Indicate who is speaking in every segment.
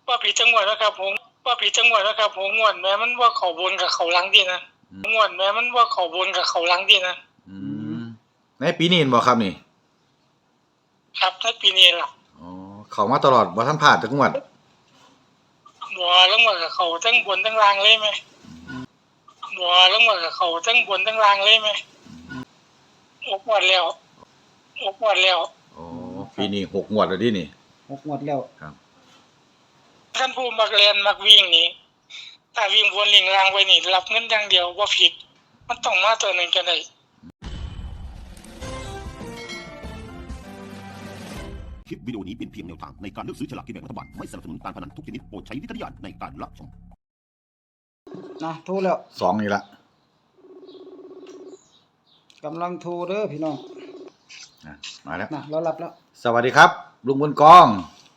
Speaker 1: ว่าผิดจังหวัดแล้วครับผมว่าผิดจังหวัดแล้วครับผมงวดแม้มันว่าเขาบนกับเขาหลังดีนะงวดแม้มันว่าเขาบนกับเขาหลังดีนะ
Speaker 2: อืมในปีนี้เห็นบ่ครับนี่
Speaker 1: ครับในปีนี้ล่ะ
Speaker 2: อ๋อเข้ามาตลอดบ่ทันพลาดจักงวด
Speaker 1: บัวแล้วงวดกับเขาทั้งบนทั้งล่างเลยไหมบัวแล้วงวดกับเขาทั้งบนทั้งล่างเลยไหมงวดแล้วงวดแล้ว
Speaker 2: อ๋อปีนี้6งวดแล้วดินี่
Speaker 3: 6งวดแล้ว
Speaker 2: ครับ
Speaker 1: ท่านผู้มักเรียนมักวิ่งนี่ถ้าวิ่งบนลิงล่างไว้นี่รับเงินอย่างเดียวว่าผิดมันต้องมาตัวหนึ่งกันได้
Speaker 4: คลิปวิดีโอนี้เป็นเพียงแนวทางในการเลือกซื้อฉลากกินแบ่งรัฐบาลไม่สนับสนุนการพนันทุกชนิดโปรดใช้วิจารณญาณในการรับชม
Speaker 3: นะโทรแล้ว
Speaker 2: 2นี่ละ
Speaker 3: กำลังโทรเด้อพี่น้อง
Speaker 2: มาแล้ว
Speaker 3: นะเรารับแล้ว
Speaker 2: สวัสดีครับลุงบุญกอง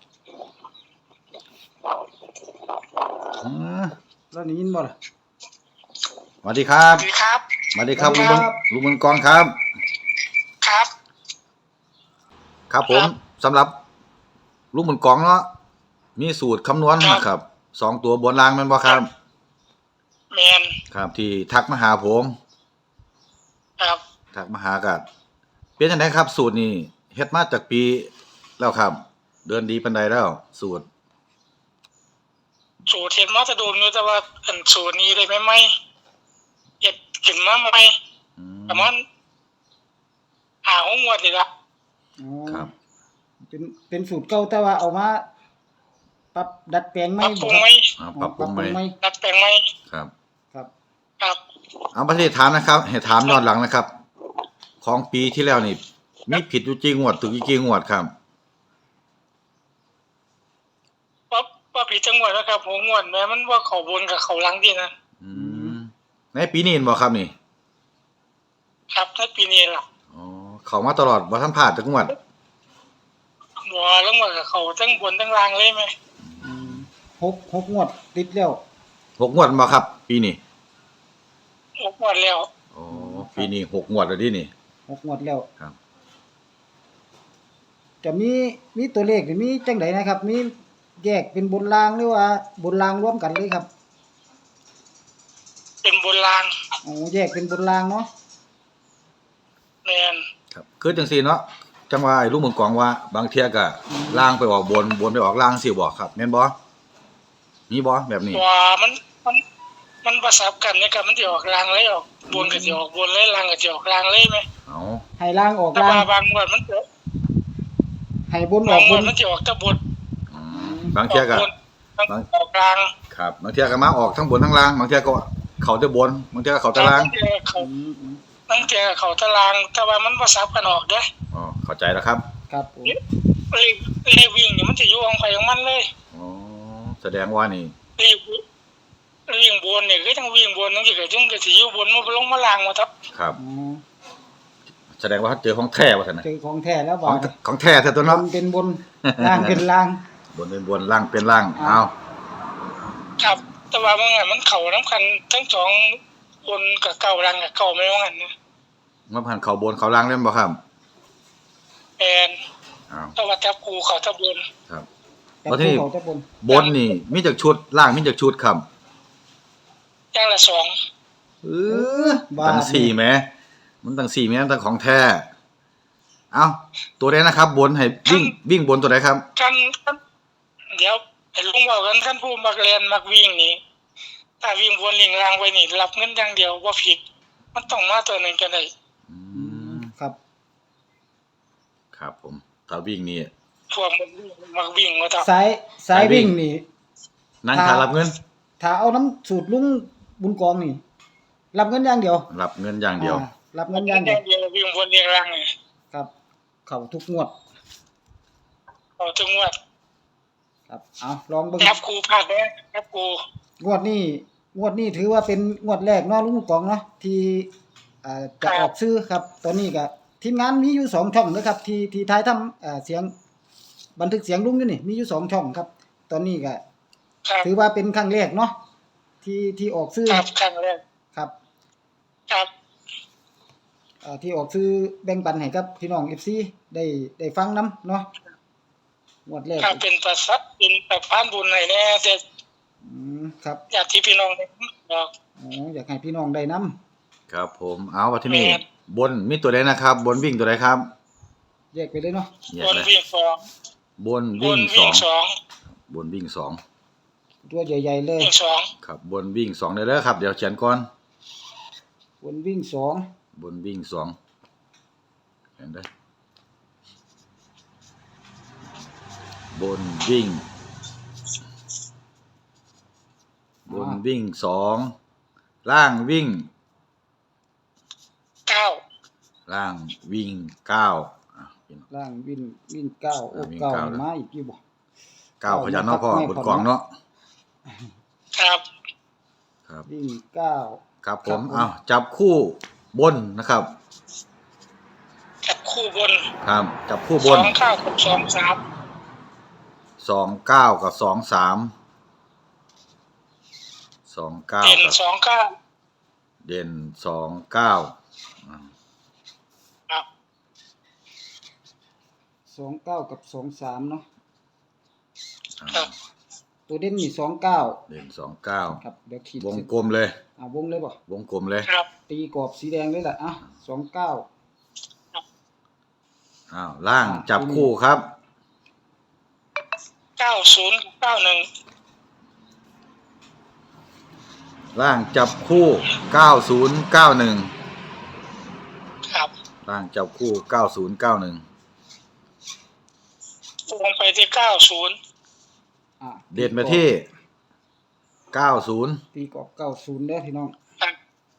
Speaker 3: แล้วได้ยินบ่ล่ะ
Speaker 2: สวัสดีครับ
Speaker 1: สวัสดีครับ
Speaker 2: สวัสดีครับลุงบุญกองครับ
Speaker 1: ครับ
Speaker 2: ครับผมสำหรับลุงบุญกองเนาะมีสูตรคำนวณนะครับ2ตัวบนล่างแม่นบ่ครับ
Speaker 1: แม่น
Speaker 2: ครับที่ทักมาหาผม
Speaker 1: ครับ
Speaker 2: ทักมาหากันเป็นจังไดครับสูตรนี้เฮ็ดมาจากปีแล้วครับเดินดีปานใดแล้วสูตร
Speaker 1: เห็นมาจะโดนอยู่แต่ว่าอันสูตรนี้ได้ไหมเฮ็ดขึ้นมาใหม่ประมาณ5-6 งวดนี่ล่ะ
Speaker 2: ครับ
Speaker 3: เป็นสูตรเก่าแต่ว่าเอามาปรับดัดแปลงใหม่
Speaker 1: ปรับปรุงใหม่
Speaker 2: ปรับปรุงใหม่
Speaker 1: ดัดแปลงใหม่
Speaker 2: ครับ
Speaker 3: ครับ
Speaker 1: ครับ
Speaker 2: เอาประเทศถามนะครับให้ถามย้อนหลังนะครับของปีที่แล้วนี่มีผิดอยู่กี่งวดถูกอยู่กี่งวดครับ
Speaker 1: ว่าผิดจังหวัดแล้วครับผมงวดแม้มันว่าเขาบนกับเขาหลังดีนะ
Speaker 2: ในปีนี้เห็นบ่ครับนี่
Speaker 1: ครับในปีนี้ล่ะ
Speaker 2: อ๋อเข้ามาตลอดบ่ทันพลาดจักงวด
Speaker 1: บัวแล้วงวดกับเขาทั้งบนทั้งล่างเลยไหม
Speaker 3: 6งวดติดแล้ว
Speaker 2: 6งวดบ่ครับปีนี้
Speaker 1: งวดแล้ว
Speaker 2: อ๋อปีนี้6งวดแล้วดินี่
Speaker 3: 6งวดแล้ว
Speaker 2: ครับ
Speaker 3: จะมีตัวเลขหรือมีจังไดนะครับมีแยกเป็นบนล่างหรือว่าบนล่างรวมกันเลยครับ
Speaker 1: เป็นบนล่าง
Speaker 3: แยกเป็นบนล่างเนาะ
Speaker 1: แม่น
Speaker 2: ครับคือจังซี่เนาะจังว่าไอ้ลุงเมืองกองว่าบางเที่ยก็ล่างไปออกบนไปออกล่างสิบ่ครับแม่นบ่มีบ่แบบนี้
Speaker 1: ว่ามันประสบกันเนี่ยครับมันสิออกล่างเลยออกบนก็สิออกบนเลยล่างก็สิออกล่างเลยมั้ย
Speaker 3: ให้ล่างออกล่าง
Speaker 1: บางงวดมัน
Speaker 3: ให้บนออกบน
Speaker 1: มันสิออกแต่บน
Speaker 2: บางเที่ยก็
Speaker 1: ออกกลาง
Speaker 2: ครับบางเที่ยก็มาออกทั้งบนทั้งล่างบางเที่ยก็เข้าแต่บนบางเที่ยก็เข้าแต่ล่าง
Speaker 1: ตั้งแต่เขาตารางแต่ว่ามันบ่ซับกันออกเด้
Speaker 2: อ๋อเข้าใจแล้วครับ
Speaker 3: ครับผม
Speaker 1: เลขวิ่งนี่มันสิอยู่ของไผของมันเลย
Speaker 2: อ๋อแสดงว่านี่
Speaker 1: เลขวิ่งบนนี่คือทั้งวิ่งบนจังซี่ก็จังก็สิอยู่บนมันลงมาล่างหมด
Speaker 2: ครับแสดงว่าเจอของแท้ว่าซั่นน่ะ
Speaker 3: เจอของแท้แล้วบ่
Speaker 2: ของแท้แท้ตัวเนาะ
Speaker 3: เป็นบนล่างเป็นล่าง
Speaker 2: บนเป็นบนล่างเป็นล่างเอา
Speaker 1: ครับแต่ว่ามันเข้านำกันทั้งสองบนกับเก่าล่างกับเก่าแม่ว่างั้นนะ
Speaker 2: มันผ่านเข้าบนเข้าล่างเล่นบ่ครับ
Speaker 1: แม่นแต่ว่าจับคู่เข้าตะบน
Speaker 2: ครับ
Speaker 3: แล้วที่
Speaker 2: บนนี่มีจักชุดล่างมีจักชุดครับ
Speaker 1: อย่างละ2
Speaker 2: ตั้ง4แหมมันตั้ง4แหมมันตั้งของแท้เอ้าตัวใดนะครับบนให้วิ่งบนตัวใดครับ
Speaker 1: กันเดี๋ยวให้ลุงเว้ากันท่านผู้มักเรียนมักวิ่งนี่ถ้าวิ่งบนลิงล่างไว้นี่รับเงินอย่างเดียวบ่ผิดมันต้องมาตัวหนึ่งกันได้
Speaker 3: ครับ
Speaker 2: ครับผมถ้าวิ่งนี่
Speaker 1: พวกมักวิ่งว่า
Speaker 3: สายวิ่งนี่
Speaker 2: นั่งถ้ารับเงิน
Speaker 3: ถ้าเอาน้ำสูตรลุงบุญกองนี่รับเงินอย่างเดียว
Speaker 2: รับเงินอย่างเดียว
Speaker 3: รับเงินอย่างเดียว
Speaker 1: วิ่งบนลิงล่างนี่
Speaker 3: ครับเข้าทุกงวด
Speaker 1: เข้าทุกงวด
Speaker 3: ครับเอาลองเบิ่ง
Speaker 1: ครับครูพลาดเด้ครับครู
Speaker 3: งวดนี้ถือว่าเป็นงวดแรกเนาะลุงกองเนาะที่จะออกซื้อครับตอนนี้ก็ทีมงานมีอยู่2ช่องนะครับที่ถ่ายทำเสียงบันทึกเสียงลุงอยู่นี่มีอยู่2ช่องครับตอนนี้ก็ถือว่าเป็นครั้งแรกเนาะที่ออกซื้อ
Speaker 1: ครับครั้งแรก
Speaker 3: ครับที่ออกซื้อแบ่งปันให้กับพี่น้อง FC ได้ฟังนำเนาะงวดแรก
Speaker 1: ถ้าเป็นประสัดเป็นแบบพานบุญไหนแน่แต่
Speaker 3: ครับ
Speaker 1: ญาติพี่น้องบอก
Speaker 3: อ๋ออยากให้พี่น้องได้นํ
Speaker 2: ครับผมเอาว่าที่นี่
Speaker 1: แม่น
Speaker 2: บนมีตัวใดนะครับ บนวิ่งตัวใดครับ
Speaker 3: แยกไปเลยเนาะ
Speaker 2: แยก
Speaker 1: บน
Speaker 2: เลย
Speaker 1: วิ่งสอง
Speaker 2: บน
Speaker 1: บ
Speaker 2: วิ่
Speaker 1: น
Speaker 2: ง
Speaker 1: วิ่งสอง
Speaker 2: บนวิ่งสอง
Speaker 3: ตัวใหญ่ๆเลย
Speaker 1: วิ่งสอง
Speaker 2: ครับบนวิ่งสองได้เลยครับเดี๋ยวเขียนก่อน
Speaker 3: บนวิ่งสอง
Speaker 2: บนวิ่งสองเห็นได้บนวิ่งสองล่างวิ่ง
Speaker 1: เก้า
Speaker 2: ล่างวิ่งเก้าอ่ะพี่น้อง
Speaker 3: ล่างวิ่งเก้าโอ้
Speaker 2: วิ่ง
Speaker 3: เก้า
Speaker 2: เก้าเลย
Speaker 3: มาอีกอยู่บ่
Speaker 2: เก้าพยัญชนะเนาะพ่อบนกล่องเนาะ
Speaker 1: ครับ
Speaker 2: ครับ
Speaker 3: วิ่งเก้า
Speaker 2: ครับผ
Speaker 3: ครั
Speaker 2: ม
Speaker 3: บผม
Speaker 2: เอาจับคู่บนนะครับ
Speaker 1: จับคู่บน
Speaker 2: ครับจับคู่บ
Speaker 1: ส
Speaker 2: น
Speaker 1: องเก้ากับสองสาม
Speaker 2: 29กับ23 29
Speaker 1: เด่น
Speaker 2: กับ
Speaker 1: สองเก้า
Speaker 2: เด่น29อ่า
Speaker 1: ครับ
Speaker 3: 29กับ23เนาะ
Speaker 1: ครับ
Speaker 3: ตัวเด่นนี่29
Speaker 2: เด่น29
Speaker 3: ครับเดี๋ยวขีด
Speaker 2: วง
Speaker 3: เส้น
Speaker 2: กลมเลย
Speaker 3: วงเลยบ่
Speaker 2: วงกลมเลย
Speaker 1: ครับ
Speaker 3: ตีกรอบสีแดงเลยล่ะอ่ะ29
Speaker 2: อ้าวล่างจับคู่ครับ
Speaker 1: เก้าศูนย์เก้าหนึ่ง
Speaker 2: ล่างจับคู่9091
Speaker 1: ครับ
Speaker 2: ล่างจับคู่9091
Speaker 1: วงไปที่เก้าศูนย์
Speaker 3: อ่ะ
Speaker 2: เด่นไปที่90
Speaker 3: ตีกรอบ90เด้อพี่น้อง
Speaker 1: ครับ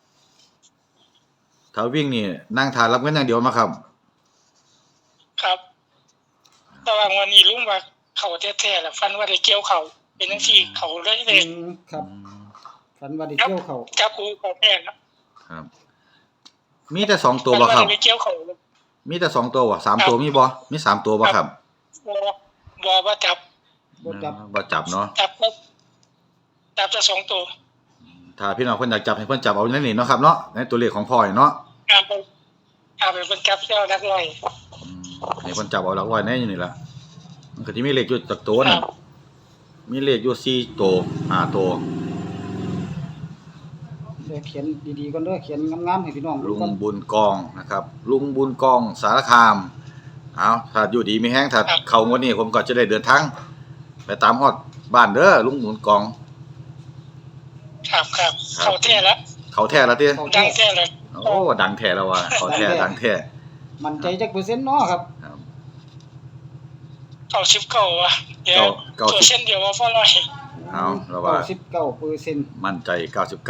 Speaker 2: ถ้าวิ่งนี่นั่งทานรับเงินอย่างเดียวมาครับ
Speaker 1: ครับแต่ว่าวันนี้ลุงว่าเขาแท้ๆแหละฟันว่าได้เกี่ยวเขาเป็นทั้งที่เขาเลยเลย
Speaker 3: ครับฝันว่าได้
Speaker 1: ครับ
Speaker 3: เกี่ยวเขา
Speaker 1: จับคู่เขาแท้นะครับ
Speaker 2: มีแต่2ตัว
Speaker 1: ฟัน
Speaker 2: บ่
Speaker 1: ว่า
Speaker 2: ครับ
Speaker 1: ได้ไปเกี่ยวเขาเลย
Speaker 2: มีแต่2ตัวบ่3ตัวมีบ่มี3ตัวบ่ครับ
Speaker 1: บอว่าจับ
Speaker 3: บ่จับ
Speaker 2: บ่จับเนาะ
Speaker 1: จับจะสองตัว
Speaker 2: ถ้าพี่น้องเพิ่นอยากจับให้เพิ่นจับเอาในนี่เนาะครับเนาะในตัวเลขของพ่อนี่เนาะ
Speaker 1: ครับเป็นจับเจ้านักลอย
Speaker 2: ให้เพิ่นจับเอาหลักร้อยในอยู่นี่ล่ะมันก็สิมีเลขอยู่จักตัว
Speaker 1: ค
Speaker 2: นั่
Speaker 1: รั
Speaker 2: น
Speaker 1: บ
Speaker 2: มีเลขอยู่4ตัว5ตัว
Speaker 3: เดี๋ยวเขียนดีๆก่อนเด้อเขียนงามๆให้พี่น้องดู
Speaker 2: ลุง
Speaker 3: ก่อน
Speaker 2: บุญกองนะครับลุงบุญกองสารคามเอาถ้าอยู่ดีมีแฮงถ้าเข้างวดนี้ผมก็จะได้เดินทางไปตามฮอดบ้านเด้อลุงบุญกอง
Speaker 1: ครับเขาแท้แล้ว
Speaker 2: เขาแท้แล้วติ
Speaker 3: เขา
Speaker 1: ดั
Speaker 3: แท้
Speaker 1: งแท้เลย
Speaker 2: โอ้ดังแท้แล้วว่ะเขาแท้ดังแท้
Speaker 3: มั่นใจจักเปอร์เซ็นต์เนาะครับ
Speaker 2: ครับ
Speaker 1: เขาชิปเก่าอ่ะเดี๋ยว
Speaker 2: เก้า
Speaker 1: ตัวเส้นเดียวว่าพ่อลอย
Speaker 2: เอาแล้วว่า
Speaker 3: 99%
Speaker 2: มั่นใจ 99%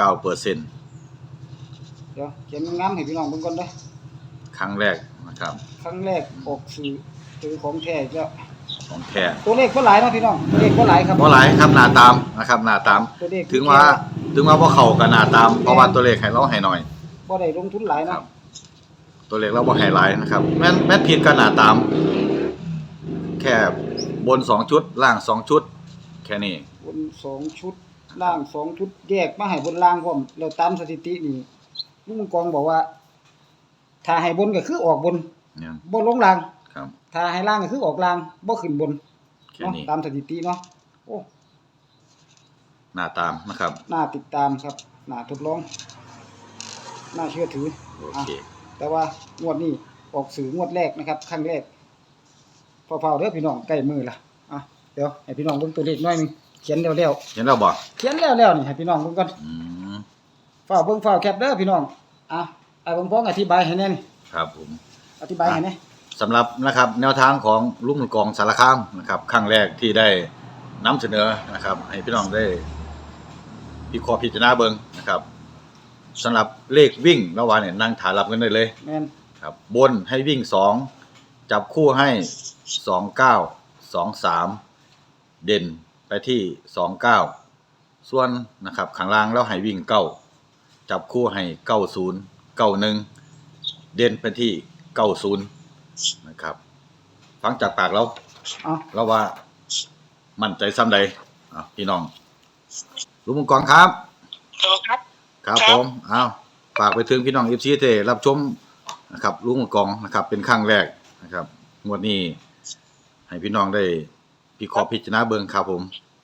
Speaker 3: เดี๋ยวเขียนงามๆให้พี่น้องเบิ่งก่อนเด้อ
Speaker 2: ครั้งแรกนะครับ
Speaker 3: ครั้งแรกออกสื่อเจอของแท้อีกแล้ว
Speaker 2: ของแท้
Speaker 3: ตัวเลขบ่หลายเนาะพี่น้องตัวเลขบ่หลายครับ
Speaker 2: บ่หลายครับหน้าตามนะครับหน้าตาม
Speaker 3: ตัวเลข
Speaker 2: ถึงว่าบ่เข้ากับหน้าตาม เพราะว่าตัวเลขให้เราให้น้อย
Speaker 3: บ่ได้ลงทุนหลาย
Speaker 2: ครั
Speaker 3: เนาะ
Speaker 2: บ ตัวเลขเราบ่ให้หลายนะครับแม่นผิดกับหน้าตาม แค่บน2ชุดล่าง2ชุด แค่นี้
Speaker 3: บน2ชุดล่าง2ชุดแยกมาให้บนล่างพร้อมแล้วตามสถิตินี่ลุงกองบอกว่า ถ้าให้บนก็คือออกบน
Speaker 2: เนี่ย
Speaker 3: บ่ลงล่าง
Speaker 2: ครับ
Speaker 3: ถ้าให้ล่างก็คือออกล่างบ่ขึ้นบน
Speaker 2: แค่
Speaker 3: เนาะ
Speaker 2: นี้
Speaker 3: ตามสถิติเนาะโอ้
Speaker 2: หน้าตามนะครับ
Speaker 3: น่าติดตามครับน่าทดลองน่าเชื่อถือ
Speaker 2: โอเค
Speaker 3: แต่ว่างวดนี้ออกสื่องวดแรกนะครับครั้งแรกเฝ้าๆเด้อพี่น้องใกล้มือละอ่ะเดี๋ยวให้พี่น้องเบิ่งตัวเลขหน่อยหนึงเขียนแล้ว
Speaker 2: เห็นแล้วบ่
Speaker 3: ๆเขียนแล้วนี่ให้พี่น้องเบิ่งก่อน
Speaker 2: อืม
Speaker 3: เฝ้าเบิ่งเฝ้าแคปเด้อพี่น้องอ่ะไอ้เบิ่งพ้องอธิบายให้แน่นี่
Speaker 2: ครับผม
Speaker 3: อธิบายให้แน่
Speaker 2: สำหรับนะครับแนวทางของลุงกองสารคามนะครับครั้งแรกที่ได้นำเสนอนะครับ ให้พี่น้องได้พิเคราะห์พิจารณาเบิ่งนะครับสำหรับเลขวิ่งระหว่างเนี่ยนั่งถ่ายรับกันได้เลย
Speaker 3: แม่น
Speaker 2: ครับบนให้วิ่ง2จับคู่ให้29 23เด่นไปที่29ส่วนนะครับข้างล่างแล้วให้วิ่ง9จับคู่ให้90 91เด่นไปที่90นะครับฟังจากปากเรา
Speaker 3: อ่ะ
Speaker 2: เราว่ามั่นใจซ้ำใดพี่น้องลุงมังกรครับ
Speaker 1: ครับ
Speaker 2: ครับ
Speaker 1: ครับ
Speaker 2: ผมเอาฝากไปถึงพี่น้อง FC ที่ได้รับชมนะครับลุงมังกรนะครับเป็นครั้งแรกนะครับงวดนี้ให้พี่น้องได้พี่ขอพิจารณาเบิ่งครับผม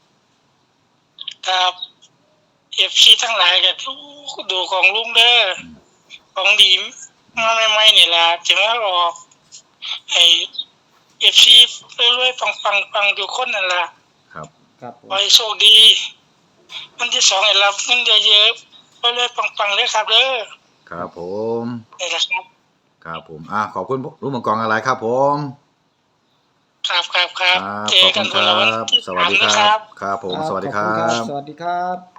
Speaker 1: ครับเอฟซีทั้งหลายก็ดูของลุงเด้อของดีมาใหม่ๆนี่ล่ะจะมาออกให้เอฟซีรวยๆปังๆทุกคนนั่นล่ะ
Speaker 2: ครับ
Speaker 3: ครับผม
Speaker 1: ขอให้โชคดีวันที่2ให้รับเงินเยอะๆรวยๆปังๆเด้อครับเด้อ
Speaker 2: ครับผม
Speaker 1: นี่แหละครับ
Speaker 2: ครับผมขอบคุณลุงมังกรอะไรครับผม
Speaker 1: ครับ
Speaker 2: ครับ
Speaker 1: เจ
Speaker 2: ข
Speaker 1: อ
Speaker 2: อบ
Speaker 1: กั
Speaker 2: คุ
Speaker 1: น
Speaker 2: ณ
Speaker 1: คนละวัน
Speaker 2: ครับ
Speaker 1: ที่
Speaker 2: สวัสดี
Speaker 1: 3นะ
Speaker 2: ค
Speaker 1: ค
Speaker 2: รั
Speaker 1: รั
Speaker 2: บบ ครับผมสวัสดีค
Speaker 3: ข
Speaker 2: รั
Speaker 3: อบคุณ
Speaker 2: บ
Speaker 3: สวัสดีครับ